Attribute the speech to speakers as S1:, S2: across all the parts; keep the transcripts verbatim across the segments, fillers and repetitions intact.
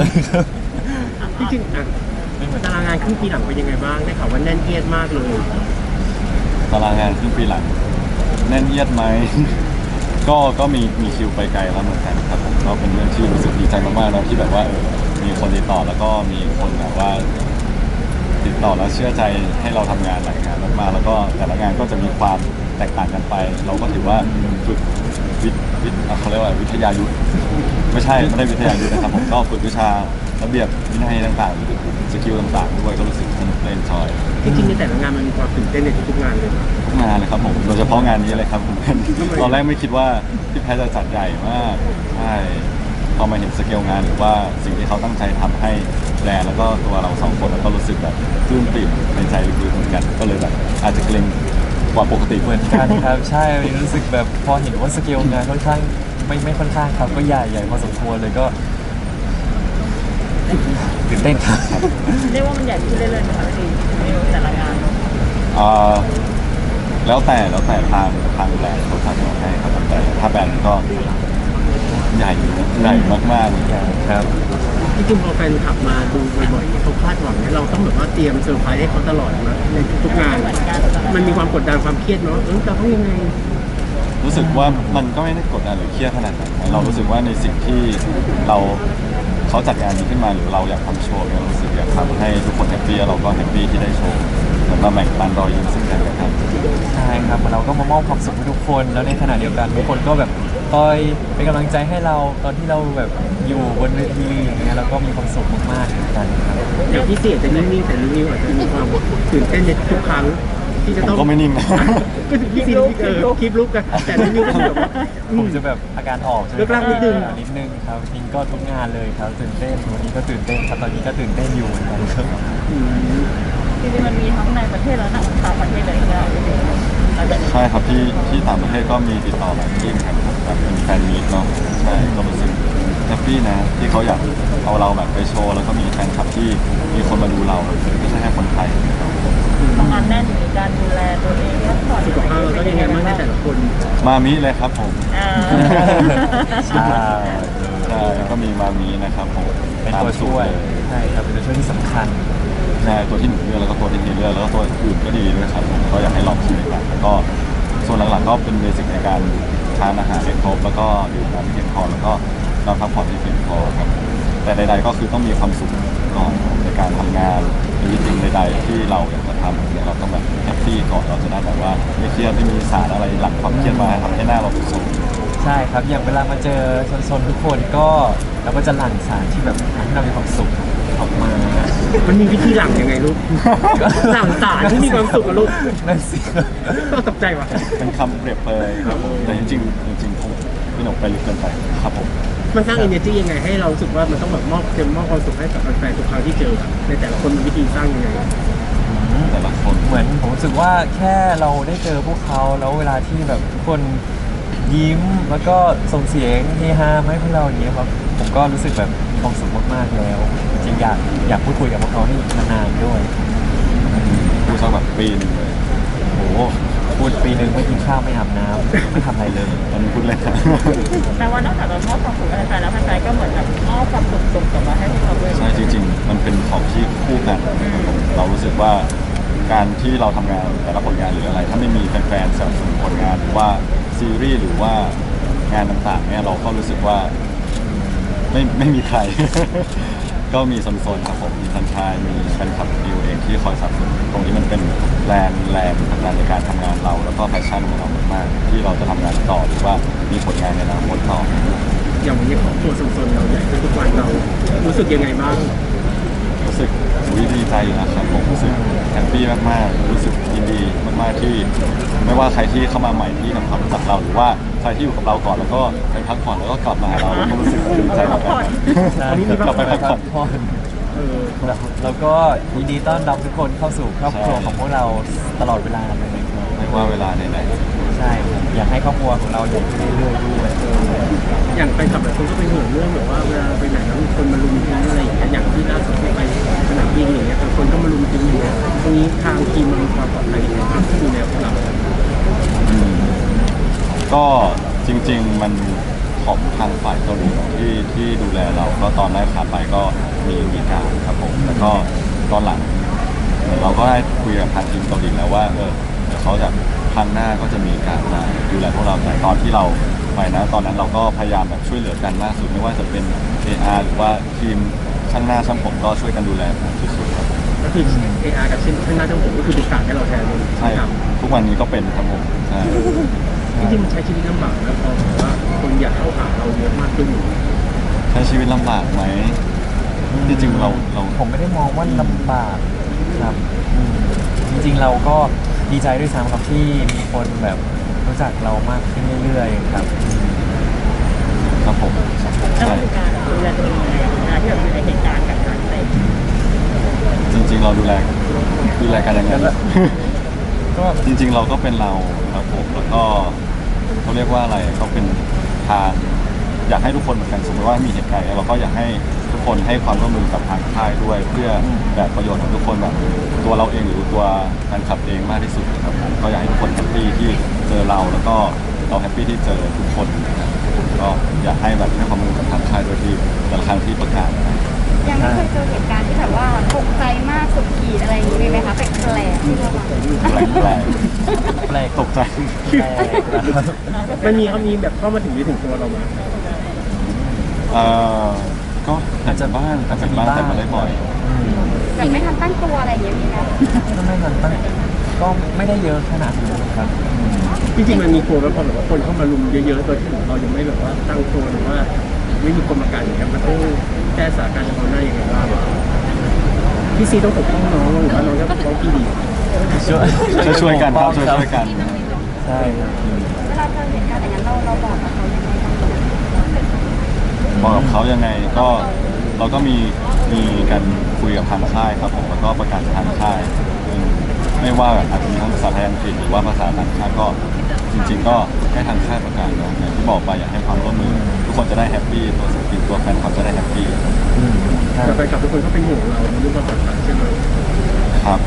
S1: ครับ
S2: จริงๆอ่ะตารางงานครึ่งปีหลังเป็นยังไงบ้างได้ข่าวว่าแน่นเอียดมากเลย
S1: ตารางงานครึ่งปีหลังแน่นเอียดไหม ก็ก็มีมีคิวไปไกลแล้วเหมือนกันครับผมก็เป็นเรื่องที่รู้สึกดีใจมากๆนะที่แบบว่าเออมีคนติดต่อแล้วก็มีคนแบบว่า ติดต่อแล้วเชื่อใจให้เราทำงานหลายงานมากๆแล้วก็แต่ละงานก็จะมีความแตกต่างกันไป เราก็ถือว่าฝึกวิทย์วิทย์อ่ะเขาเรียกว่าวิทยายุทธไม่ใช่ไม่ได้วิทยายุทธนะครับผมก็ฝึกวิชาระเบียบวินัยต่างๆสกิลต่างๆด้วยก็รู้สึกสนุกเล่นชอย
S2: จริงๆในแต่ละงานมันมีความตื่นเต้นในทุกๆงานเลย
S1: ทุกงานเลยครับผมโดยเฉพาะงานนี้เลยครับผม ตอนแรกไม่คิดว่าพี่แพทย์จะจัดใหญ่มากใช่พอมาเห็นสเกลงานหรือว่าสิ่งที่เขาตั้งใจทำให้แบรนด์แล้วก็ตัวเราสองคนแล้วก็รู้สึกแบบปลื้มปริ่มในใจลึกๆเหมือนกันก็เลยแบบอาจจะเกรงกว่าปกติ
S3: เหมือนกันครับใช่รู้สึกแบบพอเห็นว่าสเกลงานค่อนข้างไม่ไม่ค่อนข้างครับก็ใหญ่ใหญ่พอสมควรเลยก็ตื่นเต้นครับ
S4: เรียกว่ามันใหญ่ขึ้นเรื่อยๆนะคะพี่ในแต่ละงาน
S1: เอ่อแล้วแต่แล้วแต่ทางทางแบรนด์เขาทำให้ครับแต่ถ้าแบรนด์ก็ใหญ่ใหญ่มากๆ
S3: ครับ
S2: จริงๆพอแฟนคลับมาดูบ่อยๆเนี่ยเขาคาดหวังเนี่ยเราต้องแบบว่าเตรียมเซอร์ไพรส์ให้เขาตลอดนะในทุกๆงาน มันมีความกดดันความเครียดเนาะเออจะต้องยังไง
S1: รู้สึกว่ามันก็ไม่ได้กดดันหรือเครียดขนาดนั้นเรารู้สึกว่าในสิ่งที่เราเขาจัดงานนี้ขึ้นมาหรือเราอยากทำโชว์เนี่ยเรารู้สึกอยากทำให้ทุกคนแฮปปี้เราก็แฮปปี้ที่ได้โชว์เหมือนมาแบ่งปันรอยยิ้มซึ่งกันและกัน
S3: ใช่ครับเราก็มามอบความสุขให้ทุกคนแล้วในขณะเดียวกันทุกคนก็แบบคอยเป็นกำลังใจให้เราตอนที่เราแบบอยู่บนเวทีอย่างเงี้ยเราก็มีความสุขมากๆเหมือนกันครับ
S2: อย่างพี่เสียจะนิ่งๆแต่นิวอาจจะมีความตื่นเต้นในทุกครั้งที่จะ
S1: ผม
S2: ต้อง
S1: ก็ไม่นิ่งนะ
S2: ก็ถึงพี่ซีเออคลิปรูปกันแต่นิวก็คือแบบว่าอื
S3: ผม มจะแบบอาการออกใช่ไหม
S2: เลิกลากนิดนึง
S3: อ่านิดนึงครับจริงก็ทุกงานเลยครับตื่นเต้นวันนี้ก็ตื่นเต้นครับตอนนี้ก็ตื่นเต้นอยู่เหมือนกันครับ
S2: อืม
S4: จริงๆมันมีทั้งในประเทศและต่างประเทศเลยนะหลังจากนี้
S1: ใช่ครับที่ที่ต่างประเทศก็มีติดต่อหลายที่ครับแบบเป็นแฟนมีตเนาะใช่ก็รู้สึกแฮปปี้นะที่เขาอยากเอาเราแบบไปโชว์แล้วก็มีแฟนคลับที่มีคนมาดูเราไม่ใช่แค่คนไทยนะครับ
S4: ทำงานแน่นมีการดูแลตัวเองพักผ่อน
S2: สุขภาพเราต้องยังไงบ้างในแต่ละคน
S1: มามิเลยครับผม
S4: อ่า
S3: ใช่
S1: ใช่ก็มีมามินะครับผม
S3: เป็นตัวช่วยใช่ครับเป็นตัวช่วยที่สำคัญ
S1: ใช่ตัวที่หนูเลือกแล้วก็ตัวที่พี่เลือกแล้วก็ตัวอื่นก็ดีด้วยครับผมก็อยากให้ลองชิมกันแล้วก็ส่วนหลังๆก็เป็นเบสิกในการทานอาหารให้ครบแล้วก็ดื่มน้ำให้เพียงพอแล้วก็นอนพักผ่อนให้เพียงพอครับแต่ใดๆก็คือต้องมีความสุขก่อนในการทำงานหรือสิ่งใดๆที่เราอยากจะทำเนี่ยเราต้องแบบแฮปปี้ก่อนเราจะได้แบบว่าไม่เครียดไม่มีสารอะไรหลังความเครียดมาทำให้หน้าเราดูสด
S3: ใช่ครับอย่างเวลามาเจอชนๆทุกคนก็เราก็จะหลั่งสารที่แบบทำให้เรามีความสุขออกมา
S2: มันมีวิธีหลังยังไงลูกหลังสารที่มีความสุขกับลูก
S3: นั่นสิ
S2: ต้องตกใจว่ะ
S1: เป็นคำเปรียบเปรยครับแต่จริงๆจริงๆผมพี่หนุ่มไปลึกเกินไปครับผม
S2: มันสร้าง energy ยังไงให้เรารู้สึกว่ามันต้องแบบมอบเต็มมอบความสุขให้กับแฟนๆทุกครั้งที่เจออะในแต่ละคนมีวิธีสร้างยังไง
S1: แต่ละคน
S3: เหมือนผมรู้สึกว่าแค่เราได้เจอพวกเขาแล้วเวลาที่แบบทุกคนยิ้มแล้วก็ส่งเสียงเฮฮามาให้พวกเราอย่างเงี้ยครับผมก็รู้สึกแบบมีความสุขมากๆแล้วจริงๆอยากอยากพูดคุยกับพวกเขาให้นานๆด้วย
S1: ดูสักแบบปีหนึงเลย
S3: โอ้โหพูดปีหนึ่งไม่กินข้าวไม่อาบน้ำไม่ทำอะไรเลย
S1: ตอนนี้พูดเลยครับ
S4: แต่ว่านอกจากเรามอบความสุขให้แฟนแล้วแฟนๆก็เหมือนแบบมอบความสุขส่งกลับมาให้พวกเราด้วย
S1: ใช่จริงๆ มันเป็นของที่คู่กันนะครับผมเรารู้สึกว่าการที่เราทำงานแต่ละผลงานหรืออะไร ถ้าไม่มีแฟนๆสนับสนุนผลงานหรือว่าซีรีส์หรือว่างานต่างๆเนี่ยเราก็รู้สึกว่าไม่ไม่มีใคร ก็มีโซนๆครับผมมีทันชายมีแฟนคลับดิวเองที่คอยสนับสนุนตรงนี้มันเป็นแรงแรงผลักดันในการทำงานเรา แล้วก็แพชชั่นของเรามากๆที่เราจะทำงานต่อหรือว่ามีผลงานในอนาคตต่อ
S2: อย่างวันนี้ของตัวสนๆเราใหญ่ขึ้นทุกวันเรารู้สึกยังไงบ้าง
S1: รู้สึกอุ๊ยดีใจนะครับผมรู้สึกแฮปปี้มากๆรู้สึกยินดีมากๆที่ไม่ว่าใครที่เข้ามาใหม่ที่ทำความรู้จักเราหรือว่าใครที่อยู่กับเราก่อนแล้วก็ไปพักผ่อนแล้วก็กลับมาหาเราก็รู้สึกดีใจเหมือนกัน
S2: อันนี้มี
S1: กลับไปพักผ่อน
S3: ผ่อน
S2: เออ
S3: แล้วแล้วก็ยินดีต้อนรับทุกคนเข้าสู่ครอบครัว
S1: ใช่
S3: ของพวกเราตลอดเวลาเลยครับ
S1: ไม่ว่าเวลาไหน
S3: ใช่ครับอยากให้ครอบครัวของเราอยู่เรื่อยๆด้วย
S2: อย่างแฟนคลับหลายคนก็เป็นห่วงเรื่องแบบว่าเวลาเราไปไหนแล้วมีคนมาลุมทิ้งอะไรอย่างเงี้ยอย่างที่ล่าสุดที่ไปสนามบินอย่างเงี้ยบางคนก็มาลุมทิ้งอย่างเงี้ยตรงนี้ทางทีมมันมีความปลอดภัยยังไงบ้างที่ดูแลพวกเรา
S1: ๆอืมก็จริงๆมันพของทางฝ่ายเกาหลีที่ที่ดูแลเราก็ตอนแรกขาไปก็มีมีการครับผมแล้วก็ตอนหลังเหมือนเราก็ได้คุยกับทางทีมเกาหลีแล้วว่าเออเดี๋ยวเขาจะครั้งหน้าก็จะมีการมาดูแลพวกเราแต่ตอนที่เราไปนะตอนนั้นเราก็พยายามแบบช่วยเหลือกันมากสุดไม่ว่าจะเป็น เอ อาร์ หรือว่าทีมช่างหน้าช่างผมก็ช่วยกันดูแลผมสุดๆครับ
S2: ก็คือ เอ อาร์ กับชิ้นข้างหน้าทั้งผมก็คือเป็นการให้เราแทนเลย
S1: ใช่ครับทุกวันนี้ก็เป็นครับผมใช่
S2: จริงๆมันใช้ชีวิตลำบากแล้วพอแบบว่าคนอยากเข้าหาเราเยอะมากขึ้นอยู่
S1: ใช้ชีวิตลำบากไหมจริงๆเราเรา
S3: ผมไม่ได้มองว่าลำบากครับอืมจริงๆเราก็ดีใจด้วยซ้ำครับที่มีคนแบบรู้จักเรามากขึ้นเรื่อยๆครับอืม
S1: ครับผม
S4: แล้ว
S1: ใช่
S4: มีการดูแลตัวเองยังไงเวลาที่แบบอยู่ในเหตุการณ์แบบนั้นอะไรอย่างเงี้ย
S1: จริง ๆ เราดูแลดูแลกันยังไง
S3: ก็
S1: จริง ๆ เราก็เป็นเราครับผมแล้วก็เขาเรียกว่าอะไรเขาเป็นทางอยากให้ทุกคนเหมือนกันสมมติว่ามีเหตุการณ์เราก็อยากให้ทุกคนให้ความร่วมมือกับทางค่ายด้วย เพื่อแบบประโยชน์ของทุกคนแบบตัวเราเองหรือตัวแฟนคลับเองมากที่สุดครับผมก็อยากให้ทุกคนแฮปปี้ที่เจอเราแล้วก็เราแฮปปี้ที่เจอทุกคนนะครับก็อยากให้แบบให้ความร่วมมือกับทางค่ายด้วยที่แต่ละครั้งที่ประกาศนะ
S5: ยังไม่เคยเจอเหตุการณ์ที่แบบว่าตกใจมากสุดขีดอะไรอย่างนี้มีไหมคะแปลกๆที่เราแบบ
S1: แปลกแปลก
S3: แปลก
S1: ตกใจ
S3: แปลกนะครับ
S2: มันมีเขามีแบบเข้ามาถึงที่ถึงตัวเราไหม
S1: เอ่อก็อาจจะบ้างอาจจะบ้างแต่ไม่ได้บ่อย
S3: อืม
S5: แบบไม่ทันตั้งตัวอะไรอย่างเงี้ยมีไหม
S3: ก็ไม่ทันตั้งก็ไม่ได้เยอะขนาดนั้นครับอืม
S2: จริงๆมันมีกลัวไหมพอแบบว่าคนเข้ามาลุมเยอะๆโดยที่เรายังไม่แบบว่าตั้งตัวหรือว่าไม่มีคนมากันอย่างเงี้ยมันต้องแก้สถานการณ์เฉพาะหน้ายังไงบ้างพี่ซีต้องปกป้องน้องหรือว่าน้องจะปกป้องพี่ดี
S3: ช่วย
S1: ช่วยช่วยกันครับช่วยช่วยกัน
S3: ใช่ครับ
S5: เวลาเจอเหตุการณ์อย่างนั้นเราเราบอกกับเขายังไงบ้าง
S1: บอกกับเขายังไงก็เราก็มีมีการคุยกับทางค่ายครับผมแล้วก็ประกาศทางค่ายอืมไม่ว่าอาจจะมีทั้งภาษาไทยอังกฤษหรือว่าภาษาต่างชาติก็จริง ๆ ก็ให้ทางค่ายประกาศเนาะอย่างที่บอกไปอยากให้ความร่วมมือทุกคนจะได้แฮปปี้ตัวศิลปินตัวแฟนคลับจะได้แฮปปี้
S3: อืมใช่
S2: แต่แฟนคลับทุกคนก็เป็นห่วงเราในเรื่องความปลอดภัยใช่ไหม
S1: ครับ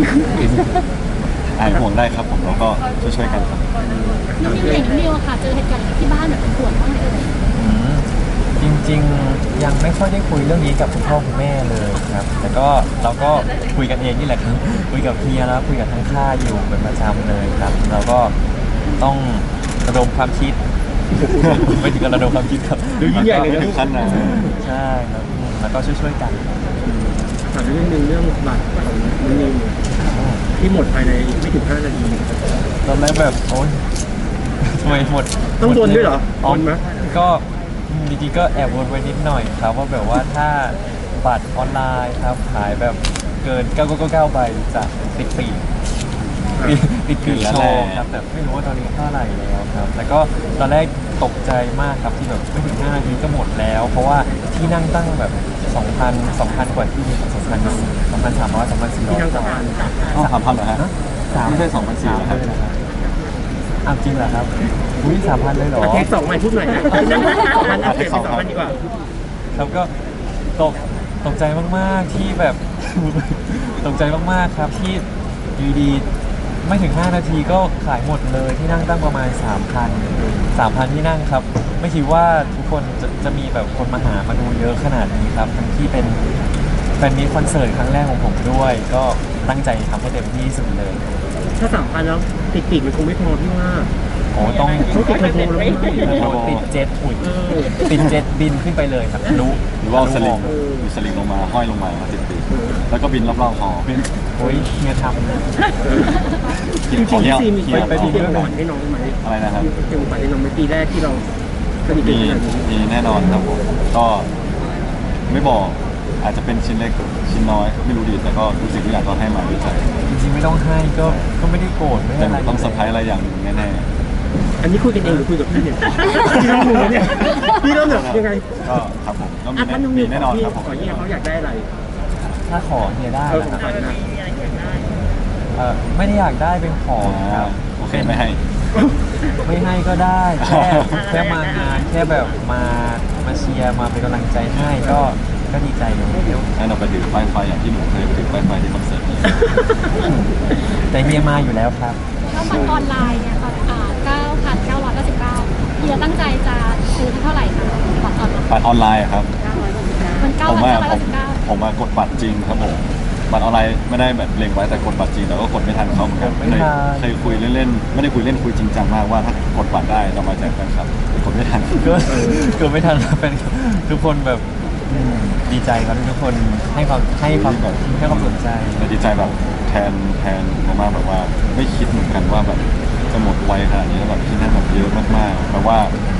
S1: อ่านห่วงได้ครับผมแล้วก็ช่วยๆกันครับ
S5: นิวเห็นนิวค่ะเจอเหตุการณ์ที่บ้านแบบเป็นห่วงบ้างไหมเอ่ย
S3: อืมจริงๆยังไม่ค่อยได้คุยเรื่องนี้กับคุณพ่อคุณแม่เลยครับ แต่ก็เราก็คุยกันเองนี่แหละครับคุยกับเฮียแล้วคุยกับทางค่ายอยู่เป็นประจำเลยครับ เราก็ต้องระดมความคิด ไม่ถึงกับระดมความคิดครับ
S2: ดูยิ่งใหญ่เลย
S1: ไม่
S2: นะ
S1: ถึงขั้นนะ
S3: ใช่ครับอืมแล้วก็ช่วยๆกันครับ
S2: ถามเรื่องหนึงเรื่องบัตรของนิวที่หมดภายในไม่ถึงห้านาที
S3: ตอนแรกแบบโอ๊ยทำไมหมด
S2: ต้องโดนด้วยเหรอ
S3: อ๋อ
S2: โดนไหม
S3: ก็อืมจริงๆก็แอบวนไว้นิดหน่อยครับว่าแบบว่าถ้าบัตรออนไลน์ครับขายแบบเกินเก้าเก้าเก้าใบจะติดปีกติดติดปีกโชว์ครับแต่ไม่รู้ว่าตอนนี้เท่าไหร่แล้วครับ แล้วก็ตอนแรกตกใจมากครับที่แบบไม่ถึงห้านาทีก็หมดแล้ว เพราะว่าที่นั่งตั้งแบบสองพัน สองพันกว่าที่สองพัน สองพันสามร้อยสองพันสี่ร้อย
S2: ที่นั่งสะพาน
S1: อ๋อสามพันเหรอฮะ
S3: สาม
S1: ไม่ใช่สองพันสี่
S3: สาม
S1: เหรอครับ
S3: เลยนะครับอ้าวจริงเหรอครับอุ้ยสามพันเลยเหรอ
S2: อ่ะเทคสองใหม่พูดหน่อยนะที่นั่งสองพันอัพเดทเป็นสองพันดีกว่า
S3: ครับก็ตกตกใจมากๆที่แบบ ตกใจมากๆครับที่อยู่ดีๆไม่ถึงห้านาทีก็ขายหมดเลยที่นั่งตั้งประมาณ สามพัน สามพันที่นั่งครับ ไม่คิดว่าทุกคนจะจะมีแบบคนมาหามาดูเยอะขนาดนี้ครับทั้งที่เป็นแฟนมีตคอนเสิร์ตครั้งแรกของผมด้วย ก็ตั้งใจทำให้เต็มที่ที่สุดเลย
S2: ถ้าสามพันแล้วติดปีกมันคงไม่พอพี่ว่า
S3: โอ้ต้อง
S2: ต้องติดเทอร์โบแล้วพี่
S3: โอ้ติดเจ็ตอุ่ย
S2: เออ
S3: ติดเจ็ตบินขึ้นไปเลยครับรู้
S1: หรือว่าเอาสลิง
S3: รู้
S1: มีสลิงลงมาห้อยลงมามาติดปีกแล้วก็บินรอบๆหอ
S3: โอ้ยเฮียทำนะ
S2: จริง
S1: ขอ
S2: ๆ
S1: เที่
S2: พี่
S1: ยว
S2: ซีมี
S1: เที่
S2: ไป
S1: ยว
S2: ไป
S1: ต่อ
S2: เตรียมก่อนให้น้องไหม
S1: อะไรนะครับ
S2: เตรียมก่อนให้น้องไหมปีแรกที่เราสนิทกัน
S1: มี
S2: ขนาดนี้
S1: มีแน่นอนครับผมก็ไม่บอกอาจจะเป็นชิ้นเล็กชิ้นน้อยไม่รู้ดีแต่ก็รู้สึกทุกอย่างก็ให้มาด้วยใจ
S3: จริงๆไม่ต้องให้ก็ก็ไม่ได้โกรธไม่
S1: แต่
S3: ได้
S1: ห
S3: อะไร
S1: นูต้องเซอร์ไพรส์อะไรอย่างหนึ่งแน่
S2: อันนี้คุยกันเองหรือคุยกับพี่เนี่ยพี่ต้องรู้เนี่ยพี่ต้องแบบยังไง
S1: ๆก็ครับผมก็มี
S2: อ่ะ
S1: แน่
S2: พันนุ่ม
S1: มี
S2: นิว
S1: แน่นอน
S2: พี่
S1: ครับผม
S2: ขอเนี่ยเขาอยากได้อะไร
S3: ถ้าขอเฮียได้
S2: เออ
S3: นะ
S2: ข
S3: ค
S2: อ
S3: รับ
S2: งขวัญนะ
S4: มีอะไรอยากได้
S3: เออไม่ได้อยากได้เป็นของค
S1: อ่า
S3: รับ
S1: โอเคไม่ให้
S3: ไม่ให้ก็ได้แค่แค่มางานแค่แบบมามาเชียร์มาเป็นกำลังใจให้ก็ก็ดีใจอยู่
S1: ให้เราไปถือป้ายไฟอย่างที่หนูเคยถือป้ายไฟที่คอนเสิร์ตนี้
S3: แต่เฮียมาอยู่แล้วครับ
S5: แล้วบัตรออนไลน์เนี่ยค่ะอ่าเก้าพันเก้าร้อยเก้าสิบเก้าเฮียตั้งใจจะซื้อซื้อเท่าไหร่คะบัตรออนไลน์
S1: บัตรออนไลน์อะครับ
S5: มันเก้า
S1: ผม
S5: พัน
S1: ว่า
S5: เก้าร้อย
S1: ผม
S5: เก้าสิบเก้า
S1: ผมมากดบัตรจริงครับผมบัตรออนไลน์ไม่ได้แบบเล็งไว้แต่กดบัตรจริงแต่ก็กดไม่ทันเขาเหมือนกัน
S3: กดไม่
S1: เคย
S3: ทัน
S1: เคยคุยเล่นๆไม่ได้คุยเล่นคุยจริงจังมากว่าถ้ากดบัตรได้เรามาแจกแฟนคลับกดไม่ทัน
S3: ก็เกิดไม่ทันครับเป็นทุกคนแบบอืมดีใจครับที่ทุกคนให้ความให้ความให้ความสนใจ
S1: แต่ดีใจแบบแทนแทนมากๆแบบว่าไม่คิดเหมือนกันว่าแบบจะหมดไวขนาดนี้แล้วแบบที่นั่นแบบเยอะมากๆแปลว่า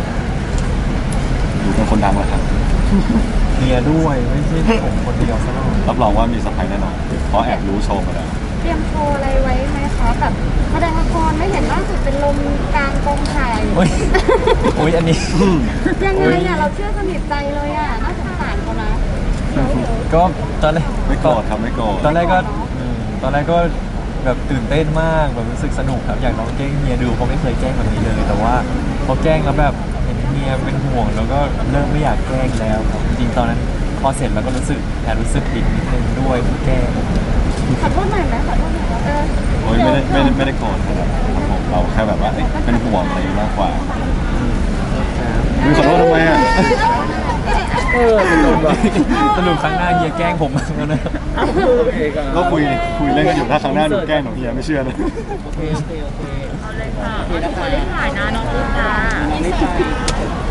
S1: อยู่เป็นคนดังแล้วครับ
S3: เมียด้วยไม่ใช่ผมคนเดียวซะหน่อย
S1: รับรองว่ามีสไปแน่นอนเพราะแอบรู้โชว์มาแล้ว
S5: เตรียมโชว์อะไรไว้ไหมคะแบบแสดงละครไม่เห็นล่าสุดเป็นลมกลางกองถ่าย
S3: โอ้ยโอ้ยอันนี้
S5: ยังไงอ่ะเราเชื่อสนิทใจเลยอ่ะน่าสงสารเขานะ
S3: ก็ตอนแรก
S1: ไม่โกรธครับไม่โกรธ
S3: ตอนแรกก็อืมตอนแรกก็แบบตื่นเต้นมากแบบรู้สึกสนุกครับอยากลองแกล้งเมียดูเพราะไม่เคยแกล้งแบบนี้เลย แต่ว่าพอแกล้งแล้วแบบเห็นเมียเป็นห่วงแล้วก็เริ่มไม่อยากแกล้งแล้วครับจริงๆตอนนั้นพอเสร็จแล้วก็รู้สึกแอบรู้สึกผิดนิดนึงด้วยที่แกล้ง
S5: ขอโทษหน่อยไหมขอโทษหน่อยเออ
S1: โอ้ยไม่ได้ไม่ได้ไม่ได้โกรธนะครับผมเราแค่แบบว่าเอ้ยเป็นห่วงอะไรมากกว่ามีขอโทษทำไมอ่ะ
S2: เออเป็นลมว่ะ
S3: สรุปครั้งหน้าเฮียแกล้งผมแล้วนะ
S2: โอเคครับ
S1: ก็คุยคุยเล่นกันอยู่ถ้าครั้งหน้าหนูแกล้งหนูเฮียไม่เชื่อนะ
S2: โอเคโอเคโอเค
S4: เอาเลยค่ะเอาทุกคนรีบถ่ายนะน้องอุ้มจ้า